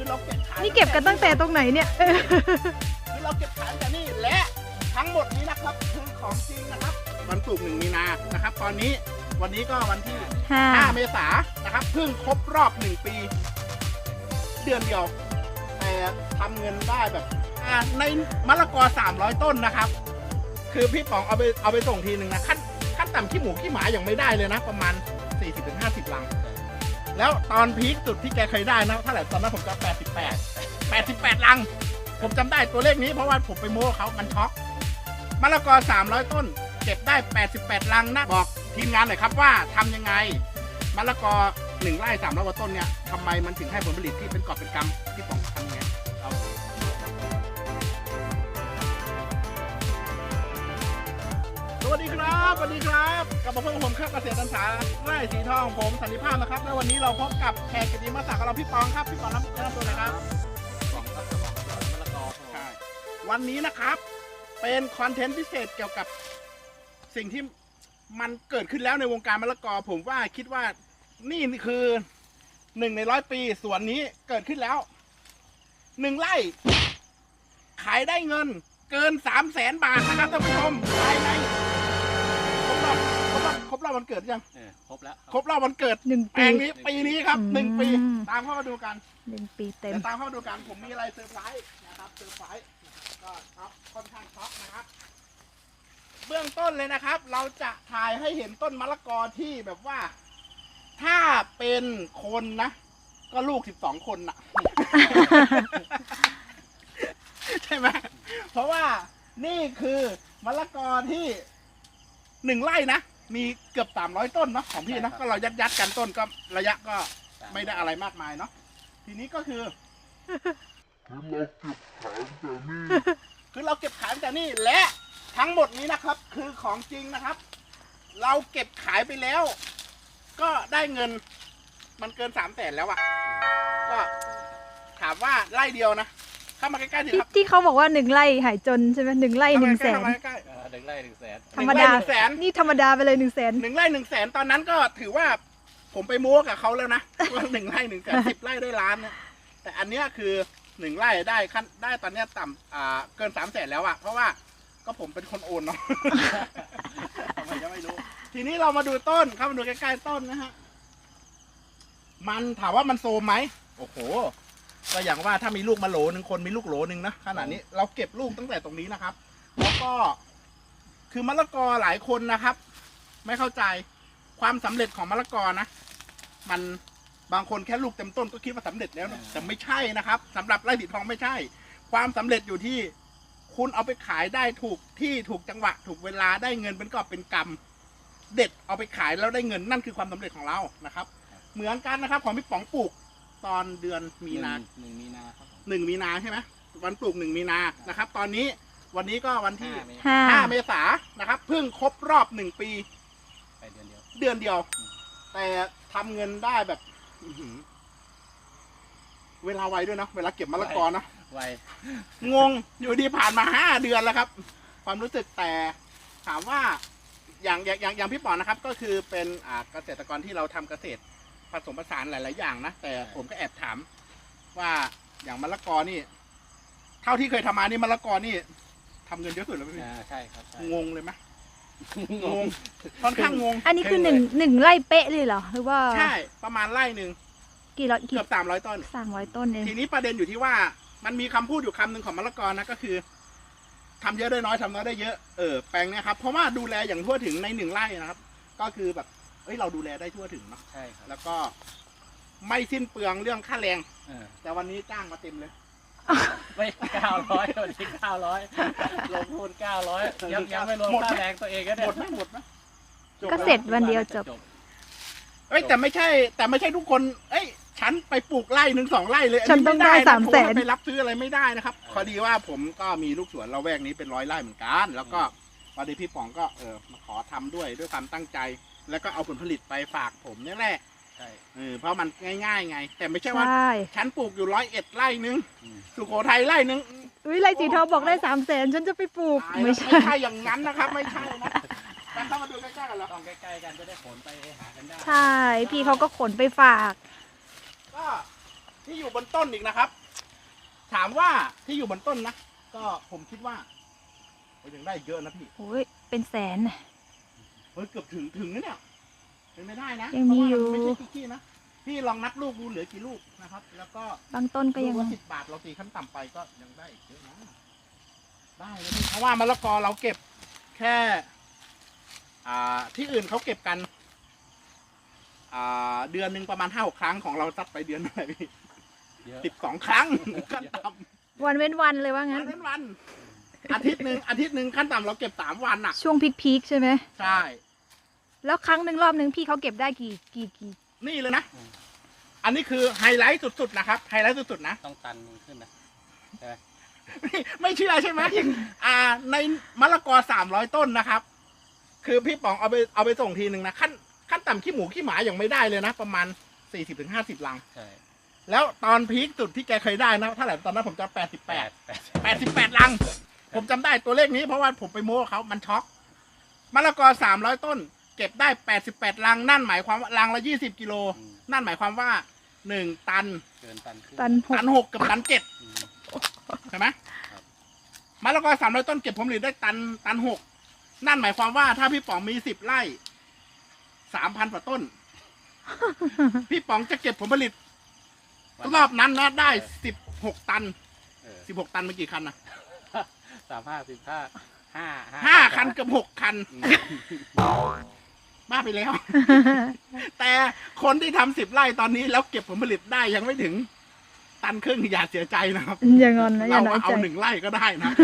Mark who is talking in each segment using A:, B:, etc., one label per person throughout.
A: เราเก็บขาย
B: นี่เก็บกันตั้งแต่ตรงไหนเนี่ย
A: คือเราเก็บขายแต่นี่และทั้งหมดนี้นะครับคือของจริงนะครับวันศุกร์1 มีนานะครับตอนนี้วันนี้ก็วันที่ 5 เมษายนนะครับเพิ่งครบรอบ1 ปีเดือนเดียวแต่ทำเงินได้แบบในมะละกอ300 ต้นนะครับคือพี่ป๋องเอาไปส่งทีหนึ่งนะขั้นต่ำขี้หมูขี้หมายังไม่ได้เลยนะประมาณ 40-50 ลังแล้วตอนพีคสุดที่แกเคยได้นะเท่าไหร่ตอนนั้นผมจะ88 ลังผมจำได้ตัวเลขนี้เพราะว่าผมไปโม้เขามันช็อกมะละกอ300 ต้นเก็บได้88 ลังนะบอกทีมงานหน่อยครับว่าทำยังไงมะละกอ1 ไร่300 กว่าต้นเนี่ยทำไมมันถึงให้ผลผลิตที่เป็นกอบเป็นกำที่ป๋องทำยังไงเอาสวัสดีครับสวัสดีครับกลับมาพบกับผมครับเกษตรศึกษาไร่สีทองผมสันติภาพนะครับและวันนี้เราพบกับแขกกิตติมศักดิ์ของเราพี่ปองครับพี่ปองแนะนำตัวหน่อยครับปองครับปองสวนมะละกอใช่วันนี้นะครับเป็นคอนเทนต์พิเศษเกี่ยวกับสิ่งที่มันเกิดขึ้นแล้วในวงการมะละกอผมว่าคิดว่านี่คือ1 ใน 100 ปีสวนนี้เกิดขึ้นแล้ว1 ไร่ขายได้เงินเกิน300,000 บาทนะครับท่านผู้ชมภายในครบรอบวันเกิดยัง
C: ครบแล้ว
A: ครบรอบวันเกิด
B: 1
A: แปล
B: ปี
A: งนี้ปีนี้ครับ1 ปีตามเข้ามาดูกัน
B: 1 ปีเต็ม
A: เดี๋ยวตามเข้ามาดูกันผมมีอะไรเซอร์ไพรส์นะครับเซอร์ไพรส์ก็ครับค่อนข้างช็อกนะครับเบื้องต้นเลยนะครับ เราจะถ่ายให้เห็นต้นมะละกอที่แบบว่า ถ้าเป็นคนนะก็ลูก12 คนนะ ใช่ไหมเพราะว่านี่คือมะละกอที่1 ไร่นะมีเกือบ300 ต้นเนาะของพี่นะก็เรายัดกันต้นก็ระยะก็ไม่ได้อะไรมากมายเนาะทีนี้ก็คือเราเก็บขายแต่นี่และทั้งหมดนี้นะครับคือของจริงนะครับ เราเก็บขายไปแล้ว ก็ได้เงินมันเกิน300,000แล้วอะก็ถามว่าไร่เดียวนะเข้ามาใกล้ๆสิครับ
B: ที่เขาบอกว่า1 ไร่หายจนใช่ไหม1 ไร่100,000
A: เข้ามาใกล้
C: 1 ไร่ 100,000
B: ธรรมดา
A: 100,000
B: นี่ธรรมดาไปเลย100,000
A: 1 ไร่ 100,000ตอนนั้นก็ถือว่าผมไปโม้กับเขาแล้วนะว่า1 ไร่ 100,000 10 ไร่ได้ล้านเนี่ยแต่อันเนี้ยคือ1 ไร่ได้ขั้นได้ตอนเนี้ยต่ำเกิน300,000แล้วอะเพราะว่าก็ผมเป็นคนโอนเนาะ ทำไมจะไม่รู้ทีนี้เรามาดูต้นเข้ามาดูใกล้ๆต้นนะฮะมันถามว่ามันโซมไหมโอ้โหก็อย่างว่าถ้ามีลูกมาโหลหนึ่งคนมีลูกโหลหนึ่งนะขนาดนี้เราเก็บลูกตั้งแต่ตรงนี้นะครับ แล้วก็คือมะละกอหลายคนนะครับ ไม่เข้าใจความสำเร็จของมะละกอนะมันบางคนแค่ลูกเต็มต้นก็คิดว่าสำเร็จแล้วนะแต่ไม่ใช่นะครับสำหรับไร่สีทองไม่ใช่ ความสำเร็จอยู่ที่คุณเอาไปขายได้ถูกที่ถูกจังหวะ ถูกเวลาได้เงินเป็นกอบเป็นกำเด็ดเอาไปขายแล้วได้เงินนั่นคือความสำเร็จของเรานะครับ เหมือนกันนะครับของพี่ป๋องปลูกตอนเดือนมีนา
C: 1 มีนาครับ
A: 1 มีนาใช่ไหมวันปลูก1 มีนานะครับ ตอนนี้วันนี้ก็วันที่
B: 5
A: 5 เมษายนนะครับเพิ่งครบรอบ1 ปี
C: ไปเดือนเดียว
A: แต่ทำเงินได้แบบเวลาไวด้วยนะเวลาเก็บมะละกอนะ
C: ไว
A: งงอยู่ดีผ่านมา5 เดือนแล้วครับ ความรู้สึกแต่ถามว่าอย่างพี่ป๋องนะครับ ก็คือเป็นเกษตรกรที่เราทำเกษตรผสมผสานหลายๆอย่างนะแต่ผมก็แอบถามว่าอย่างมะละกอนี่ เท่าที่เคยทำมานี่มะละกอนี่ทำเงินเยอะสุดแล้วพี่
C: ใช่ครับ
A: งงเลยไหมงงค่อนข้างงง
B: อันนี้คือ1 ไร่เป๊ะเลยเหรอหรือว่า
A: ใช่ประมาณไร่หนึ่งเกือบ300 ต้น
B: 300 ต้นเอง
A: ทีนี้ประเด็นอยู่ที่ว่ามันมีคำพูดอยู่คำหนึ่งของมะละกอนะก็คือทำเยอะได้น้อยทำน้อยได้เยอะแปลงเนี้ยครับเพราะว่าดูแลอย่างทั่วถึงใน1 ไร่นะครับก็คือแบบเราดูแลได้ทั่วถึงเนาะ
C: ใช่ครับ
A: แล้วก็ไม่สิ้นเปลืองเรื่องค่าแรงแต่วันนี้จ้างมาเต็มเลย
C: ไม่900วันที่900ลงทุน900ยังไม่รวมค่าแรงตัวเองก็เนี่ย
A: หมดไหม
B: ก็เสร็จวันเดียวจบ
A: แต่ไม่ใช่ทุกคนฉันไปปลูกไร่1 2 ไร่เลย
B: ฉันต้องได้300,000
A: ไปรับซื้ออะไรไม่ได้นะครับพอดีว่าผมก็มีลูกสวนละแวกนี้เป็น100 ไร่เหมือนกันแล้วก็พอดีพี่ป๋องก็มาขอทำด้วยความตั้งใจแล้วก็เอาผลผลิตไปฝากผมนี่แหละ
C: ใช่
A: เพราะมันง่ายๆไงแต่ไม่ใช่ว่าฉันปลูกอยู่101 ไร่นึงสุโขทัยไร่นึง
B: ไร่สีทองบอกได้300,000ฉันจะไปปลูก
A: ไม่ใช่อย่างนั้นนะครับไม่ใช่นะกันเข้ามาดูใกล้ๆกันแล้ว
C: ต้องใกล้ๆกันจะได้ขนไปหากันได้
B: ใช่พี่เขาก็ขนไปฝาก
A: ก็ที่อยู่บนต้นอีกนะครับ ถามว่าที่อยู่บนต้นนะก็ผมคิดว่ายังได้เยอะนะพี่
B: โอ้ยเป็นแสนน่ะ
A: เกือบถึงนะเนี่ยเป็นไม่ได้นะ
B: ยังมีอยู่
A: เพราะว่ามันไม่ใช่ขี้นะพี่ลองนับลูกดูเหลือกี่ลูกนะครับ แล้วก็
B: บางต้นก็
A: ลู
B: ยัง
A: กละ10 บาทเราตีขั้นต่ำไปก็ยังได้อีกเยอะนะได้เลยพี่เพราะว่ามะละกอเราเก็บแค่ที่อื่นเขาเก็บกันเดือนหนึ่งประมาณ5-6 ครั้งของเราซัดไปเดือนเท่าไหร่พี่
C: เยอะ
A: 12 ครั้งขั้นต่ำ
B: วันเว้นวันเลยว่างั้น
A: วันอาทิตย์หนึ่งขั้นต่ำเราเก็บ3 วันอ่ะ
B: ช่วงพีคๆใช่ไหม
A: ใช่
B: แล้วครั้งหนึ่งรอบหนึ่งพี่เขาเก็บได้กี่
A: นี่เลยนะ อันนี้คือไฮไลท์สุดๆนะครับ ไฮไลท์สุดๆนะ
C: ต้องตันมึงขึ้นนะใช่ไหม
A: ไม่เชื่อใช่ไหม ในมะละกอ300 ต้นนะครับ คือพี่ป๋องเอาไปส่งทีหนึ่งนะขั้นต่ำขี้หมูขี้หมายังไม่ได้เลยนะ ประมาณ 40-50 ลัง
C: ใช่
A: แล้วตอนพีคสุดที่แกเคยได้นะเท่าไหร่ตอนนั้นผมจะ88 ลัง ผมจำได้ตัวเลขนี้เพราะว่าผมไปโม้เขามันช็อกมะละกอ300 ต้น เก็บได้88 ลัง นั่นหมายความว่าลังละ20 กิโล นั่นหมายความว่า1 ตัน
C: เกินตันขึ้น
B: ตันหก
A: ตัน 6กับตัน
C: อืม
A: 7ใช่ไหม
C: ครับ
A: มะละกอ300 ต้นเก็บผลผลิตได้ตัน 6นั่นหมายความว่าถ้าพี่ป๋องมี10 ไร่ 3,000 กว่าต้น พี่ป๋องจะเก็บผลผลิตรอบนั้นนะได้16 ตัน 16 ตันเมื่อกี่คันนะ 5 คันเกือบ6 คัน บ้าไปแล้ว แต่คนที่ทำ10 ไร่ตอนนี้แล้วเก็บผลผลิตได้ยังไม่ถึง ตันครึ่งอย่าเสียใจนะครับ
B: อย่างอนนะอย่า
A: เรา
B: น้อยใจ
A: เอา1 ไร่ก็ได้นะ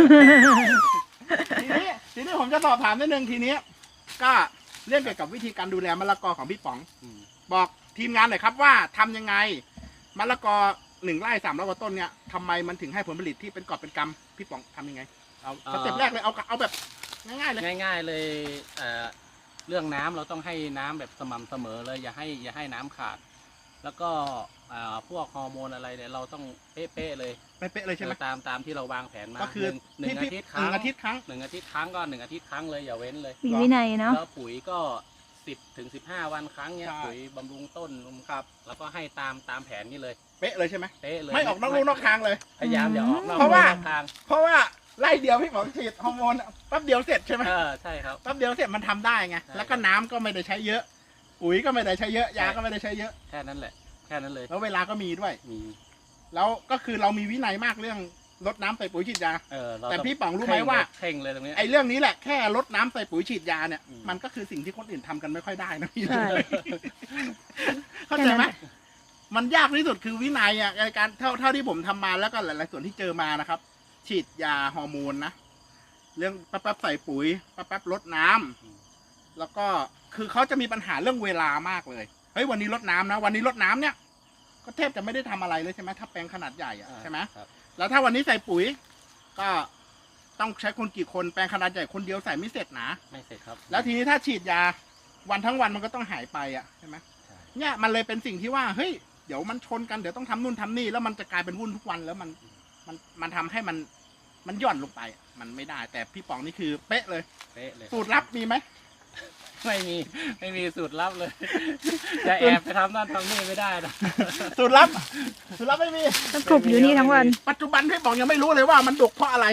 A: ทีนี้ผมจะสอบถามนิดนึงทีนี้ ก็เรื่องเกี่ยวกับวิธีการดูแลมะละกอของพี่ป๋อง บอกทีมงานหน่อยครับว่าทำยังไงมะละกอ1 ไร่300 กว่าต้นเนี่ยทำไมมันถึงให้ผลผลิตที่เป็นกอบเป็นกำพี่ป๋องทำยังไงเอาสเต็ปแรกเลยเอาแบบง่ายๆเลย
C: ง่ายๆเลยเรื่องน้ำเราต้องให้น้ำแบบสม่ำเสมอเลยอย่าให้น้ำขาด แล้วก็พวกฮอร์โมนอะไรเนี่ยเราต้องเป๊ะๆเลย
A: เป๊ะๆเลยใช่ไหม
C: ตามที่เราวางแผนมา
A: ก็คือ
C: หนึ่งอาทิตย์ครั้ง
A: 1 อาทิตย์ครั้ง
C: 1 อาทิตย์ครั้งก็1 อาทิตย์ครั้งเลยอย่าเว้นเลย
B: มีวินัยเนาะ
C: แล้วปุ๋ยก็10-15 วันครั้งเนี่ย
A: ใช่
C: ปุ๋ยบำรุงต้นครับแล้วก็ให้ตามแผนนี้เลย
A: เป๊ะเลยใช่ไหม
C: เป๊ะเลย
A: ไม่ออกนอกลู่นอกทางเลย
C: พยายามอย่าออกนอก
A: เพราะว่า
C: นอกทาง
A: เพราะว่าไล่เดียวพี่ป๋องฉีดฮอร์โมนแป๊บเดียวเสร็จใช่ไหม
C: ใช่ครับ
A: แป๊บเดียวเสร็จมันทำได้ไง
C: ใช่
A: แล้วก็น้ำก็ไม่ได้ใช้เยอะปุ๋ยก็ไม่ได้ใช้เยอะยาก็ไม่ได้ใช้เยอะ
C: แค่นั้นแหละแค่นั้นเลย
A: แล้วเวลาก็มีด้วย
C: มี
A: แล้วก็คือเรามีวินัยมากเรื่องรดน้ำใส่ปุ๋ยฉีดยา
C: เรา
A: แต่
C: อง
A: พี่ป๋องรู้ไหมว่า
C: เคร่งเลยตรงเนี้ย
A: ไอ้เรื่องนี้แหละแค่รดน้ำใส่ปุ๋ยฉีดยาเนี่ย
C: อืม
A: มันก็คือสิ่งที่คนอื่นทำกันไม่ค่อยได้นะพี่
B: ใช่
A: เข้าใจไหมมันยากที่สุดคือวินัยอ่ะในการเท่าที่ผมทำมาแล้วก็หลายๆส่วนที่เจอมานะครับ ฉีดยาฮอร์โมนนะเรื่องแป๊บๆใส่ปุ๋ยแป๊บๆรดน้ำแล้วก็คือเขาจะมีปัญหาเรื่องเวลามากเลยเฮ้ยวันนี้รดน้ำนะวันนี้รดน้ำเนี่ยก็แทบจะไม่ได้ทำอะไรเลยใช่ไหมถ้าแปลงขนาดใหญ่อะใช่ไหม
C: ครับ
A: แล้วถ้าวันนี้ใส่ปุ๋ย ก็ต้องใช้คนกี่คนแปลงขนาดใหญ่คนเดียวใส่ไม่เสร็จนะ
C: ไม่เสร็จครับ
A: แล้วทีนี้ถ้าฉีดยาวันทั้งวันมันก็ต้องหายไปอ่ะใช่ไหม
C: ใช่
A: เนี่ยมันเลยเป็นสิ่งที่ว่าเฮ้ยเดี๋ยวมันชนกันเดี๋ยวต้องทำนู่นทำนี่แล้วมันจะกลายเป็นวุ่นทุกวันแล้วมันทำให้มันหย่อนลงไปอะมันไม่ได้ แต่พี่ป๋องนี่คือเป๊ะเลย
C: เป๊ะเลย
A: สูตรลับมีไหม
C: ไม่มีสูตรลับเลย จะแอบไปทำนั่นทำนี่ไม่ได้นะ
A: สูตรลับไม่มี
B: ต้องกลุบอยู่นี่ทั้งวัน
A: ปัจจุบันพี่ป๋องยังไม่รู้เลยว่ามันดกเพราะอะไร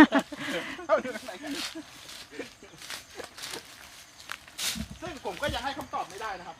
A: ซึ่งผมก็ยังให้คำตอบไม่ได้นะครับ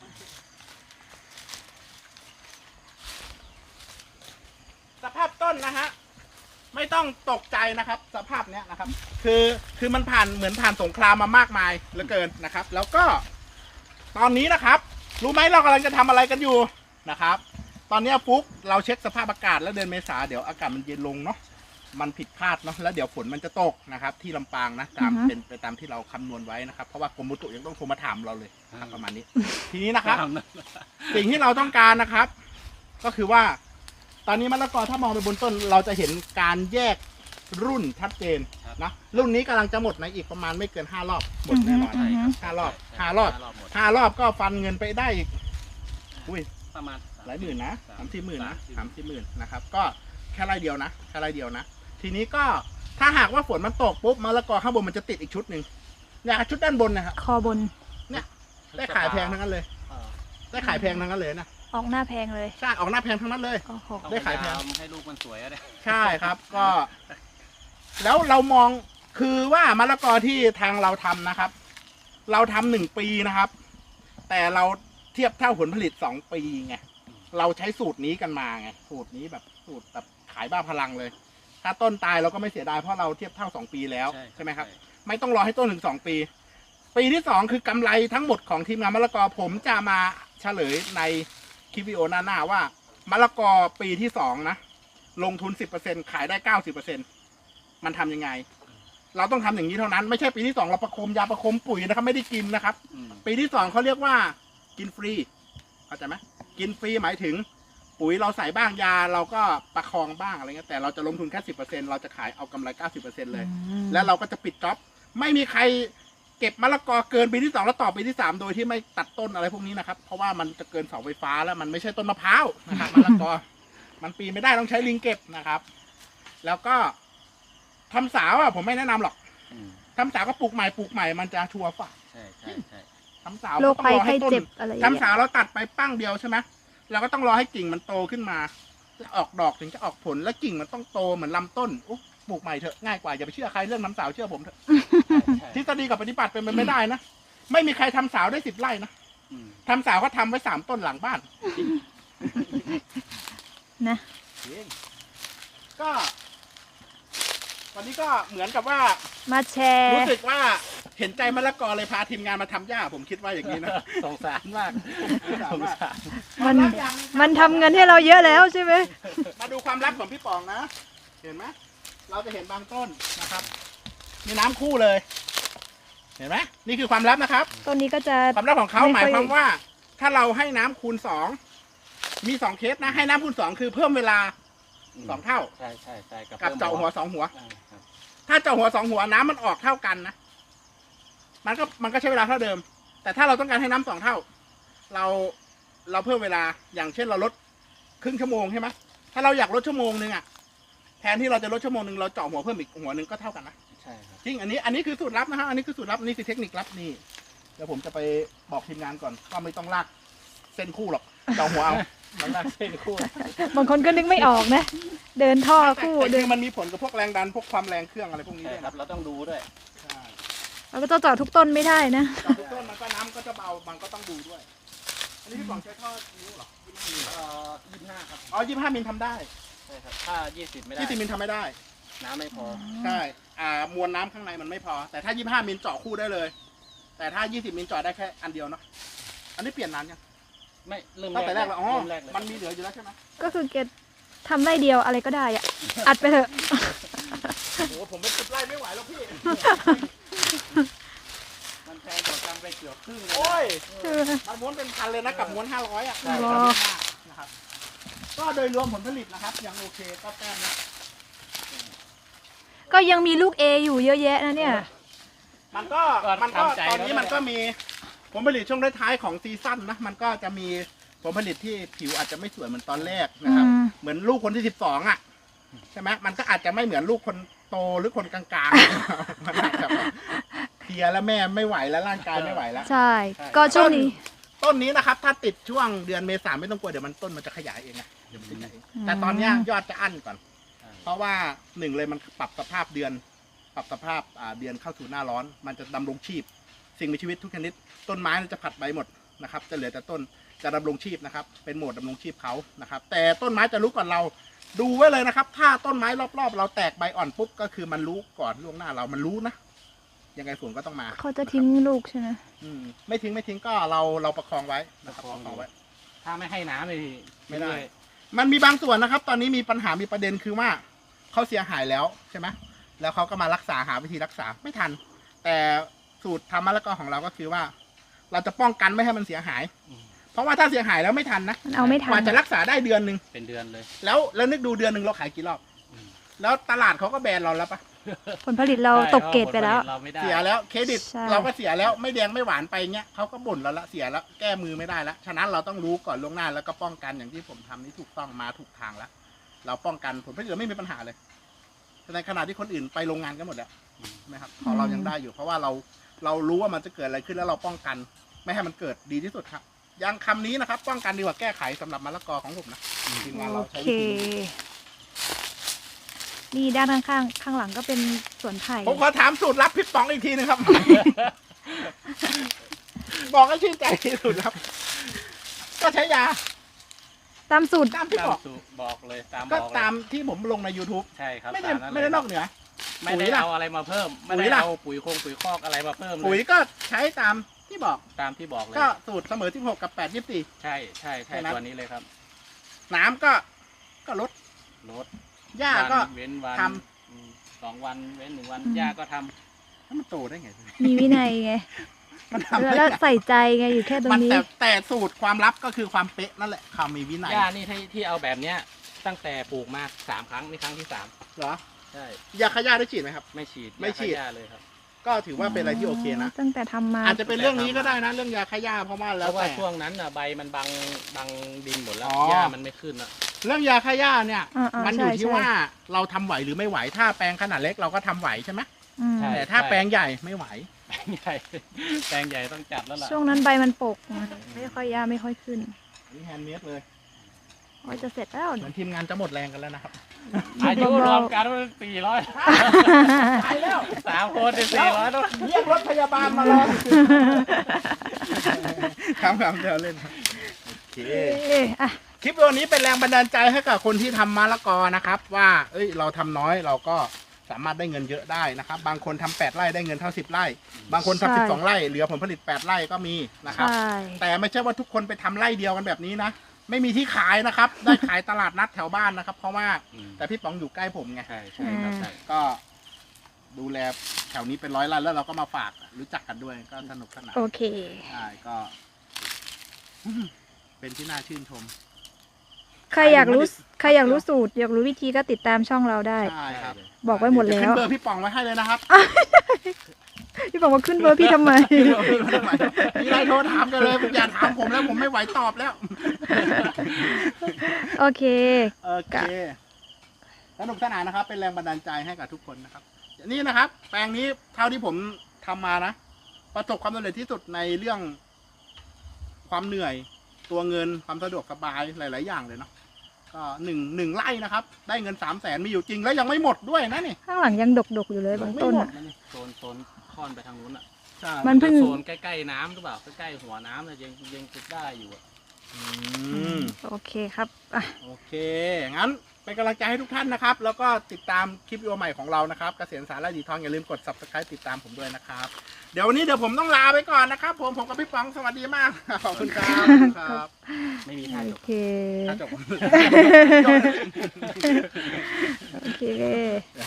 A: สภาพต้นนะฮะไม่ต้องตกใจนะครับ สภาพเนี้ยนะครับ คือมันเหมือนผ่านสงครามมามากมายเหลือเกินนะครับ แล้วก็ตอนนี้นะครับ รู้ไหมเรากำลังจะทำอะไรกันอยู่นะครับ ตอนนี้ฟุกเราเช็คสภาพอากาศแล้วเดือนเมษาเดี๋ยวอากาศมันเย็นลงเนาะมันผิดพลาดเนาะแล้วเดี๋ยวฝนมันจะตกนะครับ ที่ลำปางนะตาม
B: อือฮะ
A: เป็นไปตามที่เราคำนวณไว้นะครับเพราะว่ากรมอุตุยังต้องโทรมาถามเราเลยนะครับประมาณนี้ ทีนี้นะครับ สิ่งที่เราต้องการนะครับ ก็คือว่า ตอนนี้มะละกอถ้ามองไปบนต้น เราจะเห็นการแยกรุ่นชัดเจน
C: ครับ
A: นะรุ่นนี้กำลังจะหมดในอีกประมาณไม่เกิน5 รอบหมดแน่นอน
B: อือฮึ
A: 5 รอบ
C: ใช่
A: 5 รอบ
C: หมด
A: 5 รอบก็ฟันเงินไปได้อีกอุ้ย
C: ประมาณ
A: หลายหมื่นนะ30,000นะ
C: 30,000
A: 30,000นะครับก็แค่ไร่เดียวนะแค่ไร่เดียวนะทีนี้ก็ถ้าหากว่าฝนมันตกปุ๊บมะละกอข้างบนมันจะติดอีกชุดหนึ่งเนี่ยชุดด้านบนนะครับ
B: คอบน
A: ได้ขายแพงทั้งนั้นเลย
C: เออ
A: ได้ขายแพงทั้งนั้นเลยนะ
B: ออกหน้าแพงเลย
A: ใช่ออกหน้าแพงทั้งนั้นเลย
B: โอ้โห
C: ต้อง
A: ได้
C: พ
A: ขาย
C: ยา
A: แพง
C: ยามให้ลูกมันสวยอะเนี่ย
A: ใช่ครับก็ แล้วเรามองคือว่ามะละกอที่ทางเราทำนะครับ เราทำ1 ปีนะครับ แต่เราเทียบเท่าผลผลิต2 ปีไงเราใช้สูตรนี้กันมาไงสูตรนี้แบบสูตรแบบขายบ้าพลังเลย ถ้าต้นตายเราก็ไม่เสียดายเพราะเราเทียบเท่า2 ปีแล้วใช่ไหมครับ ไม่ต้องรอให้ต้นถึง2 ปี ปีที่2คือกำไรทั้งหมดของทีมงานมะละกอผมจะมาเฉลยในคลิปวิดีโอหน้าว่ามะละกอปีที่2นะลงทุน 10%ขายได้ 90%มันทำยังไง เราต้องทำอย่างนี้เท่านั้นไม่ใช่ปีที่2เราประคมยาประคมปุ๋ยนะครับไม่ได้กินนะครับ ปีที่2เขาเรียกว่ากินฟรีเข้าใจไหมกินฟรีหมายถึงปุ๋ยเราใส่บ้างยาเราก็ประคองบ้างอะไรเงี้ยแต่เราจะลงทุนแค่ 10%เราจะขายเอากำไร 90% เลย แล้วเราก็จะปิดจ็อบไม่มีใครเก็บมะละกอเกินปีที่2แล้วต่อปีที่3โดยที่ไม่ตัดต้นอะไรพวกนี้นะครับเพราะว่ามันจะเกินเสาไฟฟ้าแล้วมันไม่ใช่ต้นมะพร้าวนะครับมะละกอ มันปีนไม่ได้ต้องใช้ลิงเก็บนะครับ แล้วก็ทำสาวอ่ะผมไม่แนะนำหรอกทำสาวก็ปลูกใหม่มันจะชัวร์ฝ่า
C: ใช่ใช่ใช่
A: ทำสาว
B: โรค
A: ต้อง
B: ภัย
A: รอ
B: ไข้
A: ให้ต้น
B: เจ็บอะไรอย่าง
A: ทำ
B: เงี้ย
A: สาวเราตัดไปปั้งเดียวใช่ไหมเราก็ต้องรอให้กิ่งมันโตขึ้นมาแล้วออกดอกถึงจะออกผลแล้วกิ่งมันต้องโตเหมือนลำต้นอุ๊ยปลูกใหม่เถอะง่ายกว่าอย่าไปเชื่อใครเรื่องทำสาวเชื่อผมเถอะ ทฤษฎีกับปฏิบัติเป็นไปไม่ได้นะไม่มีใครทำสาวได้10 ไร่นะทำสาวก็ทำไว้3 ต้นหลังบ้าน
B: นะ
A: ก็วันนี้ก็เหมือนกับว่า
B: มาแชร์
A: รู้สึกว่าเห็นใจมะละกอเลยพาทีมงานมาทำหญ้าผมคิดว่าอย่างนี้นะ
C: สงสารมากสงสาร
B: มันทำเงินให้เราเยอะแล้วใช่ไหม
A: มาดูความลับของพี่ป๋องนะ เห็นไหมเราจะเห็นบางต้นนะครับ มีน้ำคู่เลย เห็นไหมนี่คือความลับนะครับ
B: ต้นนี้ก็จะ
A: ความลับของเขา
B: ไม่ค่อย
A: หมายความว่า ถ้าเราให้น้ำคูณ2มี2 เคสนะ ให้น้ำคูณ2คือเพิ่มเวลา2 เท่า
C: ใช่ใช่ใช่
A: กับเจาะหัว2 หัว
C: ครับ
A: ถ้าเจาะหัว2 หัวน้ำมันออกเท่ากันนะมันก็ใช้เวลาเท่าเดิม แต่ถ้าเราต้องการให้น้ำ2 เท่า เราเพิ่มเวลาอย่างเช่นเราลดครึ่งชั่วโมงใช่ไหมถ้าเราอยากลดชั่วโมงนึงอ่ะแทนที่เราจะลดชั่วโมงนึงเราเจาะหัวเพิ่มอีกหัวนึงก็เท่ากันนะ
C: ใช่ครับ
A: จริงอันนี้คือสูตรลับนะฮะอันนี้คือสูตรลับนี่คือเทคนิคลับนี่เดี๋ยวผมจะไปบอกทีมงานก่อนก็ไม่ต้องลากเส้นคู่หรอกเจาะหัวเอา
C: มันน่าเส้นคู่
B: บางคนก็นึกไม่ออกนะ เดินท่อคู่
A: แต่
B: เดิ
A: คื
B: น
A: อมันมีผลกับพวกแรงดันพวกความแรงเครื่องอะไรพวกนี้
C: ใช่
A: ด้วย
C: ครับ เราต้องดูด้วย
A: ใช่
B: เราก็จะเจาะทุกต้นไม่ได้นะ
A: เจาะทุกต้นมันก็น้ำก็จะเบามันก็ต้องดูด้วย อันนี้พี่ป๋องใช้ท่อนิ้วเหรอ
C: 25 ครับ
A: อ๋อ25 มิลทำได้
C: ใช่ครับถ้า20ไม่ได้
A: 20 มิลทำไม่ได้
C: น้ำไม่พอ
A: ใช่มวลน้ำข้างในมันไม่พอ แต่ถ้า25 มิลเจาะคู่ได้เลย แต่ถ้า20 มิลเจาะได้แค่อันเดียวเนาะอันนี้เปลี่ยนนานยัง
C: ไม่เริ่ม
A: ตั้งแต่แรกแล้วอ๋อ
C: เริ่มแรกเลย
A: มันมีเหลืออยู่แล้วใช่ไหม
B: ก็คือเกดทำไร่เดียวอะไรก็ได้อะอัดไปเถอะ
A: โอ้โหผมเป็น10 ไร่ไม่ไหวแล้วพี่
C: มันแพงกว่ากันไปเกือบครึ่งเลย
A: โอ้ย
B: เออ
A: มันม้วนเป็นพันเลยนะกับม้วน500อ่ะ
B: ใช่
A: นะครับก็โดยรวมผลผลิตนะครับยังโอเคก็แต้มนะ
B: ก็ยังมีลูก A อยู่เยอะแยะนะเนี่ย
A: มันก็ตอนนี้มันก็มีผลผลิตช่วงท้ายๆของซีซั่นนะมันก็จะมีผลผลิตที่ผิวอาจจะไม่สวยเหมือนตอนแรกนะครับ
B: อืม
A: เหมือนลูกคนที่12อ่ะใช่ไหมมันก็อาจจะไม่เหมือนลูกคนโตหรือคนกลางๆ มันอาจจะแบบเพลียแล้วแม่ไม่ไหวแล้วร่างกายไม่ไหวแล้ว
B: ใช่ ก็ช่วงนี้
A: ต้นนี้นะครับ ถ้าติดช่วงเดือนเมษาไม่ต้องกลัวเดี๋ยวมันต้นมันจะขยายเองนะเดี๋ยวมันจะขยายเองแต่ตอนเนี้ยยอดจะอั้นก่อน เพราะว่า1เลยมันปรับสภาพเดือน ปรับสภาพเดือนเข้าสู่หน้าร้อน มันจะดำรงชีพ สิ่งมีชีวิตทุกชนิด ต้นไม้มันจะผัดใบหมดนะครับ จะเหลือแต่ต้นจะดำรงชีพนะครับ เป็นโหมดดำรงชีพเขานะครับ แต่ต้นไม้จะรู้ก่อนเรา ดูไว้เลยนะครับ ถ้าต้นไม้รอบๆ เราแตกใบอ่อนปุ๊บก็คือมันรู้ก่อนล่วงหน้าเรามันรู้นะยังไงฝนก็ต้องมา
B: เขาจะทิ้งลูกใช่ไหม
A: ไม่ทิ้งก็เราประคองไว้นะครับประคองไว้
C: ถ้าไม่ให้น้ำเลย
A: ไม่ได้ มันมีบางส่วนนะครับ ตอนนี้มีปัญหามีประเด็นคือว่าเขาเสียหายแล้วใช่ไหมแล้วเขาก็มารักษาหาวิธีรักษาไม่ทัน แต่สูตรทำมะละกอของเราก็คือว่า เราจะป้องกันไม่ให้มันเสียหาย เพราะว่าถ้าเสียหายแล้วไม่ทันนะ
B: มันเอาไม่ทั
A: กว่าน จะรักษาได้เดือนหนึ่ง
C: เป็นเดือนเลย
A: แล้วนึกดูเดือนหนึ่งเราขายกี่รอบ
C: อืม
A: แล้วตลาดเขาก็แบนเราแล้วปะ
B: ผลผลิตเราตกเกรดไปแล้ว
C: เราไม่ได้
A: เสียแล้วเครดิต
B: ใช่
A: เราก็เสียแล้วไม่แดงไม่หวานไปเงี้ยเขาก็บ่นเราละเสียแล้วแก้มือไม่ได้แล้วฉะนั้นเราต้องรู้ก่อนล่วงหน้าแล้วก็ป้องกันอย่างที่ผมทำนี่ถูกต้องมาถูกทางแล้วเราป้องกันผลผลิตเราไม่มีปัญหาเลยในขณะที่คนอื่นไปโรงงานกันหมดแล้วใช่ไหมครับของเรายังได้อยู่ เพราะว่าเรารู้ว่ามันจะเกิดอะไรขึ้นแล้วเราป้องกัน ไม่ให้มันเกิดดีที่สุดครับยังคำนี้นะครับ ป้องกันดีกว่าแก้ไขสำหรับมะละกอของผมนะทีมงาน
B: โอ
A: เราใช้
B: เค
A: วิธีนี้
B: นี่ด้านข้างหลังก็เป็นสวนไผ่
A: ผมขอถามสูตรลับพี่ป๋องอีกทีนึงครับ บอกให้ชื่นใจที่สุดครับ ก็ใช้ยา
B: ตามสูตร
A: ตามที่
C: ตาม
A: บอก
C: สูตรบอกเลยตาม
A: ก็
C: บอกเลย
A: ตามที่ผมลงใน YouTube
C: ใช่ครับ
A: ไม่ได้
C: ตานั้น
A: ไม่ได้
C: เลย
A: นอกเหนือ
C: ไม่
A: ปุ๋
C: ได้
A: ยล่ะ
C: เอาอะไรมาเพิ่ม ไม่
A: ปุ๋
C: ได้
A: ยล่ะ
C: เอาปุ๋ยคอกอะไรมาเพิ่มเล
A: ปุ๋ย
C: ย
A: ก็ใช้ตามที่บอก
C: ตามที่บอกเลย
A: ก็สูตรเสมอ16กับ8 24
C: ใช่ใช่
A: แค่นั้น
C: ตัวนี้เลยครับ
A: น้ำก็ลด
C: ลด
A: หญ้าก็
C: วันเว้นวัน
A: ท
C: 2 วันเว้น1 วันหญ้าก็ทำ
A: แล้วมันโตได้ไง
B: มีวินัยไง
A: มันทำได้
B: แล้ว
A: ไง
B: ใส่ใจไงอยู่แค่ตร
A: มั
B: ง
A: น
B: นี้
A: แต่สูตรความลับก็คือความเป๊ะนั่นแหละความมีวินัย
C: หญ้านี่ที่เอาแบบเนี้ยตั้งแต่ปลูกมา3 ครั้งนี่ครั้งที่
A: เหรอ
C: 3ใช่
A: ยาฆ่าหญ้าได้ฉีดไหมครับ
C: ไม่ฉีด
A: ไม่ฉีด
C: ยาฆ่าหญ้าเลยครับ
A: ก็ถือว่าเป็นอะไรที่โอเคนะ
B: ตั้งแต่ทำมา
A: อาจจะเป็นเรื่องนี้ก็ได้นะ เรื่องยาฆ่าหญ้าเพราะว่า
C: เพ
A: แล้ว
C: ราะว่า
A: แต่
C: ช่วงนั้นน่ะใบมันบังดินหมดแล้ว
A: อ๋อ
C: หญ้ามันไม่ขึ้นอ่ะ
A: เรื่องยาฆ่าหญ้าเนี่ย
B: อ่าๆ
A: มันอยู่
B: ใช่
A: ที่
B: ใช่
A: ว่าเราทำไหวหรือไม่ไหวถ้าแปลงขนาดเล็กเราก็ทำไหวใช่ไหม
B: อืม
C: ใช่
A: แต่ถ้าแปลงใหญ่ไม่ไหว
C: แปลงใหญ่แปลงใหญ่ต้องจัดแล้วล่ะ
B: ช่วงนั้นใบมันปกไม่ค่อยยาไม่ค่อยขึ้น
A: นี่แฮนด์เมดเลย
B: ว่าจะเสร็จแล้ว
A: เหมือนทีมงานจะหมดแรงกันแล้วนะครับ
C: อายุรวมกันว่า400
A: ตายแล้ว
C: 3 คนได้400ต้อง
A: เรียกรถพยาบาลมารอครับเดี๋ยวเล่นครับโอเค
B: เอ๊ะอ่ะ
A: คลิปวันนี้เป็นแรงบันดาลใจให้กับคนที่ทำมะละกอนะครับ ว่าเอ้ยเราทำน้อยเราก็สามารถได้เงินเยอะได้นะครับ บางคนทำ8 ไร่ได้เงินเท่า10 ไร่ บางคน
B: ใช่
A: ทำ12 ไร่เหลือผลผลิต8 ไร่ก็มีนะครับ
B: ใช่
A: แต่ไม่ใช่ว่าทุกคนไปทำไร่เดียวกันแบบนี้นะ ไม่มีที่ขายนะครับ ได้ขายตลาดนัดแถวบ้านนะครับ เพราะว่าแต่พี่ป๋องอยู่ใกล้ผมไง
C: ใช่ใช่ครับใช่
A: ก็ดูแลแถวนี้เป็น100 ไร่แล้วเราก็มาฝากรู้จักกันด้วยก็สนุกสนาน
B: โอเค
A: ใช่ก็ เป็นที่น่าชื่นชม
B: ใครอยากรู้สูตร อยากรู้วิธีก็ติดตามช่องเราได้
A: ใช่ครับ
B: บอกไว้หมด
A: เดี๋ย
B: แล้ว
A: ขึ้นเบอร์พี่ป๋องไว้ให้เลยนะครับ
B: พี่บอกว่าขึ้นเบอร์พี่ทำไม
A: มีอะไรโทรถามกันเลยอย่าถามผมแล้วผมไม่ไหวตอบแล้ว
B: โอเค
A: โอเคสนุกสนานนะครับ เป็นแรงบันดาลใจให้กับทุกคนนะครับ นี่นะครับ แปลงนี้เท่าที่ผมทำมานะ ประสบความสำเร็จที่สุดในเรื่องความเหนื่อย ตัวเงินความสะดวกสบายหลาย ๆ อย่างเลยเนาะก็หนึ่งไร่นะครับ ได้เงิน300,000มีอยู่จริงแล้วยังไม่หมดด้วยนะนี่
B: ข้างหลังยังดกๆอยู่เลยบางต้นอ่ะ
C: โซนค่อนไปทางนู้นอ่ะ
A: ใช่
B: มันเพิ่ง
C: โซนใกล้ๆน้ำหรือเปล่าใกล้ๆหัวน้ำเลยยังติดได้อยู่อ่ะ
A: อืม
B: โอเคครับอ่ะ
A: โอเค งั้นเป็นกำลังใจให้ทุกท่านนะครับ แล้วก็ติดตามคลิปวิดีโอใหม่ของเรานะครับ เกษตรสารและดีทองอย่าลืมกด subscribe ติดตามผมด้วยนะครับ เดี๋ยววันนี้เดี๋ยวผมต้องลาไปก่อนนะครับ ผมกับพี่ป๋องสวัสดีมาก ขอบคุณครับครับ
C: ไม่มีท่า
B: โอ
C: จบ
B: เค
A: ถ้าจบ
B: โอเค